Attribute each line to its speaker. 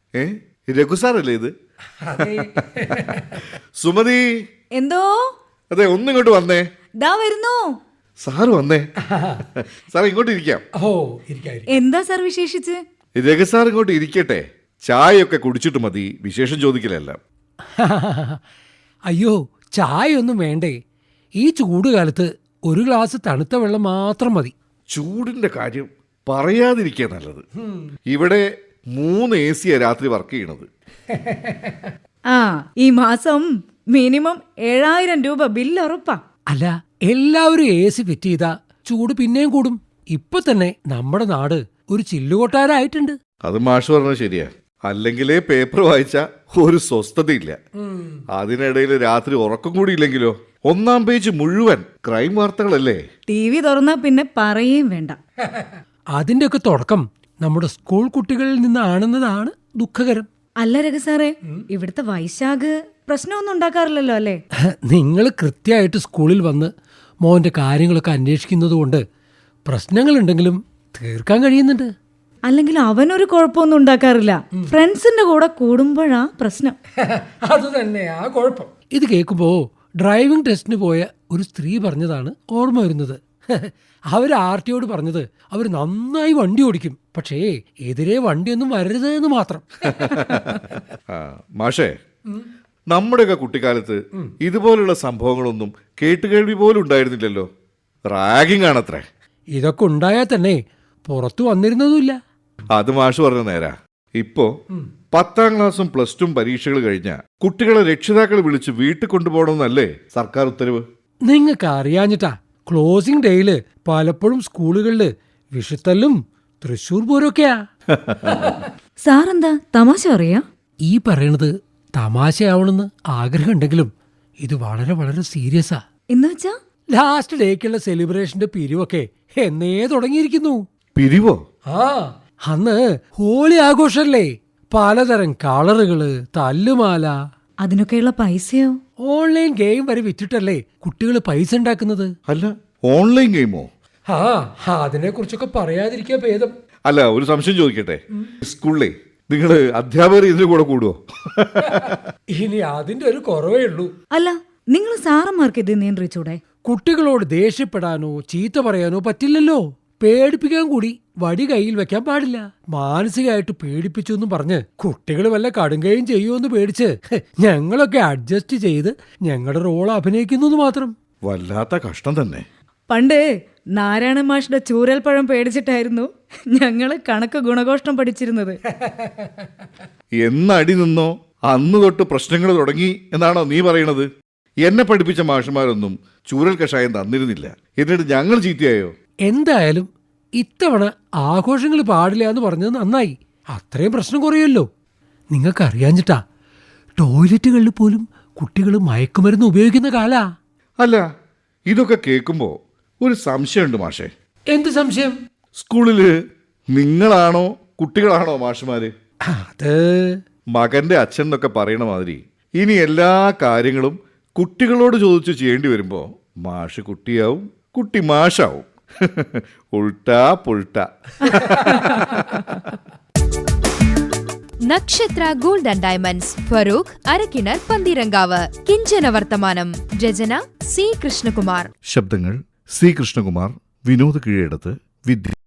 Speaker 1: രഘുസാറല്ലേ ഇത്? സുമതി,
Speaker 2: എന്തോ?
Speaker 1: അതെ, ഒന്നിങ്ങോട്ട് വന്നേ.
Speaker 2: ദാ വരുന്നു.
Speaker 1: സാറ് വന്നേ. സാർ ഇങ്ങോട്ട് ഇരിക്കാം.
Speaker 2: എന്താ സാർ വിശേഷിച്ച്?
Speaker 1: രഘുസാർ ഇങ്ങോട്ട് ഇരിക്കട്ടെ. ചായയൊക്കെ കുടിച്ചിട്ട് മതി വിശേഷം ചോദിക്കലല്ല.
Speaker 3: അയ്യോ, ചായ ഒന്നും വേണ്ടേ? ഈ ചൂടുകാലത്ത് ഒരു ഗ്ലാസ് തണുത്ത വെള്ളം മാത്രം മതി.
Speaker 1: ചൂടിന്റെ കാര്യം പറയാതിരിക്കുക നല്ലത്. ഇവിടെ 3 AC രാത്രി വർക്ക് ചെയ്യണത്.
Speaker 2: ഈ മാസം മിനിമം 7000 രൂപ ബില്ല് ഉറപ്പാ.
Speaker 3: അല്ല, എല്ലാവരും AC ഫിറ്റ് ചെയ്താ ചൂട് പിന്നെയും കൂടും. ഇപ്പൊ തന്നെ നമ്മുടെ നാട് ഒരു ചില്ലുകൊട്ടാരായിട്ടുണ്ട്.
Speaker 1: അത് മാഷ് പറഞ്ഞത് ശരിയാ. അല്ലെങ്കിലേ പേപ്പർ വായിച്ച ഒരു സ്വസ്ഥതയില്ല. അതിനിടയിൽ രാത്രി ഉറക്കം കൂടി ഇല്ലെങ്കിലോ? 1-ാം പേജ് മുഴുവൻ ക്രൈം വാർത്തകളല്ലേ.
Speaker 2: TV തുറന്നാ പിന്നെ പറയേം വേണ്ട.
Speaker 3: അതിന്റെയൊക്കെ തുടക്കം നമ്മുടെ സ്കൂൾ കുട്ടികളിൽ നിന്നാണെന്നതാണ് ദുഃഖകരം.
Speaker 2: അല്ല രഘുസാറേ, ഇവിടുത്തെ വൈശാഖ് പ്രശ്നമൊന്നും ഉണ്ടാക്കാറില്ലല്ലോ അല്ലേ?
Speaker 3: നിങ്ങൾ കൃത്യമായിട്ട് സ്കൂളിൽ വന്ന് മോന്റെ കാര്യങ്ങളൊക്കെ അന്വേഷിക്കുന്നത് കൊണ്ട് പ്രശ്നങ്ങളുണ്ടെങ്കിലും തീർക്കാൻ കഴിയുന്നുണ്ട്.
Speaker 2: അല്ലെങ്കിൽ അവനൊരു കുഴപ്പമൊന്നും ഉണ്ടാക്കാറില്ല. ഫ്രണ്ട്സിന്റെ കൂടെ കൂടുമ്പോഴാ പ്രശ്നം.
Speaker 3: അത് തന്നെയാ കുഴപ്പം. ഇത് കേൾക്കുമ്പോ ഡ്രൈവിംഗ് ടെസ്റ്റിന് പോയ ഒരു സ്ത്രീ പറഞ്ഞതാണ് ഓർമ്മ വരുന്നത്. അവർ RTOയോട് പറഞ്ഞത് അവർ നന്നായി വണ്ടി ഓടിക്കും, പക്ഷേ എതിരെ വണ്ടിയൊന്നും വരരുത് എന്ന് മാത്രം.
Speaker 1: മാഷേ, നമ്മുടെയൊക്കെ കുട്ടിക്കാലത്ത് ഇതുപോലുള്ള സംഭവങ്ങളൊന്നും കേട്ടുകേൾവി പോലും ഉണ്ടായിരുന്നില്ലല്ലോ. റാഗിംഗ് ആണത്രേ.
Speaker 3: ഇതൊക്കെ ഉണ്ടായാൽ തന്നെ പുറത്തു വന്നിരുന്നതുമില്ല.
Speaker 1: അത് മാഷ് പറഞ്ഞ നേരാ. ഇപ്പോ 10-ാം ക്ലാസ്സും +2 പരീക്ഷകൾ കഴിഞ്ഞ കുട്ടികളെ രക്ഷിതാക്കൾ വിളിച്ച് വീട്ടിൽ കൊണ്ടുപോകണമെന്നല്ലേ സർക്കാർ ഉത്തരവ്?
Speaker 3: നിങ്ങൾക്ക് അറിയാഞ്ഞിട്ടാ ക്ലോസിംഗ് ഡേയില് പലപ്പോഴും സ്കൂളുകളില് വിഷുത്തല്ലും തൃശ്ശൂർ പൂരമൊക്കെയാ.
Speaker 2: സാറെന്താ തമാശ പറയാ?
Speaker 3: ഈ പറയണത് തമാശയാവണമെന്ന് ആഗ്രഹമുണ്ടെങ്കിലും ഇത് വളരെ വളരെ സീരിയസാ.
Speaker 2: എന്നുവെച്ചാ
Speaker 3: ലാസ്റ്റ് ഡേക്കുള്ള സെലിബ്രേഷന്റെ പിരിവൊക്കെ എന്നേ തുടങ്ങിയിരിക്കുന്നു.
Speaker 1: പിരിവോ?
Speaker 3: അന്ന് ഹോളി ആഘോഷല്ലേ. പലതരം കളറുകള്, തല്ലുമാല.
Speaker 2: അതിനൊക്കെയുള്ള പൈസയോ?
Speaker 3: ഓൺലൈൻ ഗെയിം വരെ വിറ്റിട്ടല്ലേ കുട്ടികൾ പൈസ ഉണ്ടാക്കുന്നത്.
Speaker 1: അല്ല, ഓൺലൈൻ ഗെയിമോ?
Speaker 3: അതിനെ കുറിച്ചൊക്കെ പറയാതിരിക്കാ ഭേദം.
Speaker 1: അല്ല, ഒരു സംശയം ചോദിക്കട്ടെ. സ്കൂളിലെ നിങ്ങള് അധ്യാപകർ ഇതിന് കൂടെ കൂടുവോ?
Speaker 3: ഇനി അതിന്റെ ഒരു കുറവേ ഉള്ളൂ.
Speaker 2: അല്ല, നിങ്ങൾ സാറന്മാർക്ക് ഇത് നിയന്ത്രിച്ചൂടെ?
Speaker 3: കുട്ടികളോട് ദേഷ്യപ്പെടാനോ ചീത്ത പറയാനോ പറ്റില്ലല്ലോ. പേടിപ്പിക്കാൻ കൂടി വടി കയ്യിൽ വെക്കാൻ പാടില്ല. മാനസികമായിട്ട് പേടിപ്പിച്ചു എന്ന് പറഞ്ഞ് കുട്ടികൾ വല്ല കടുങ്കയും ചെയ്യുമെന്ന് പേടിച്ച് ഞങ്ങളൊക്കെ അഡ്ജസ്റ്റ് ചെയ്ത് ഞങ്ങളുടെ റോൾ അഭിനയിക്കുന്നു മാത്രം.
Speaker 1: വല്ലാത്ത കഷ്ടം തന്നെ.
Speaker 2: പണ്ട് നാരായണ മാഷിന്റെ ചൂരൽപ്പഴം പേടിച്ചിട്ടായിരുന്നു ഞങ്ങള് കണക്ക് ഗുണഘോഷം പഠിച്ചിരുന്നത്.
Speaker 1: എന്നടി നിന്നോ അന്ന് തൊട്ട് പ്രശ്നങ്ങൾ തുടങ്ങി എന്നാണോ നീ പറയണത്? എന്നെ പഠിപ്പിച്ച മാഷുമാരൊന്നും ചൂരൽ കഷായം തന്നിരുന്നില്ല. എന്നിട്ട് ഞങ്ങൾ ചീത്തയായോ?
Speaker 3: എന്തായാലും ഇത്തവണ ആഘോഷങ്ങൾ പാടില്ല എന്ന് പറഞ്ഞത് നന്നായി. അത്രയും പ്രശ്നം കുറയുമല്ലോ. നിങ്ങൾക്കറിയാഞ്ഞിട്ടാ ടോയ്ലറ്റുകളിൽ പോലും കുട്ടികൾ മയക്കുമരുന്ന് ഉപയോഗിക്കുന്ന കാലാ.
Speaker 1: അല്ല, ഇതൊക്കെ കേൾക്കുമ്പോ ഒരു സംശയമുണ്ട് മാഷേ.
Speaker 3: എന്ത് സംശയം?
Speaker 1: സ്കൂളില് നിങ്ങളാണോ കുട്ടികളാണോ മാഷുമാര്?
Speaker 3: അത്
Speaker 1: മകന്റെ അച്ഛൻ എന്നൊക്കെ പറയണ മാതിരി ഇനി എല്ലാ കാര്യങ്ങളും കുട്ടികളോട് ചോദിച്ചു ചെയ്യേണ്ടി വരുമ്പോ മാഷ് കുട്ടിയാവും, കുട്ടി മാഷാവും. ഉൾട്ടാ പുൾട്ടാ.
Speaker 4: Nakshatra gold and diamonds, Farooq Arakkinar, Pantheerankavu. കിഞ്ചന വർത്തമാനം. രചന C. കൃഷ്ണകുമാർ.
Speaker 1: ശബ്ദങ്ങൾ C. കൃഷ്ണകുമാർ, വിനോദ് കീഴടത്ത്, വിദ്യ.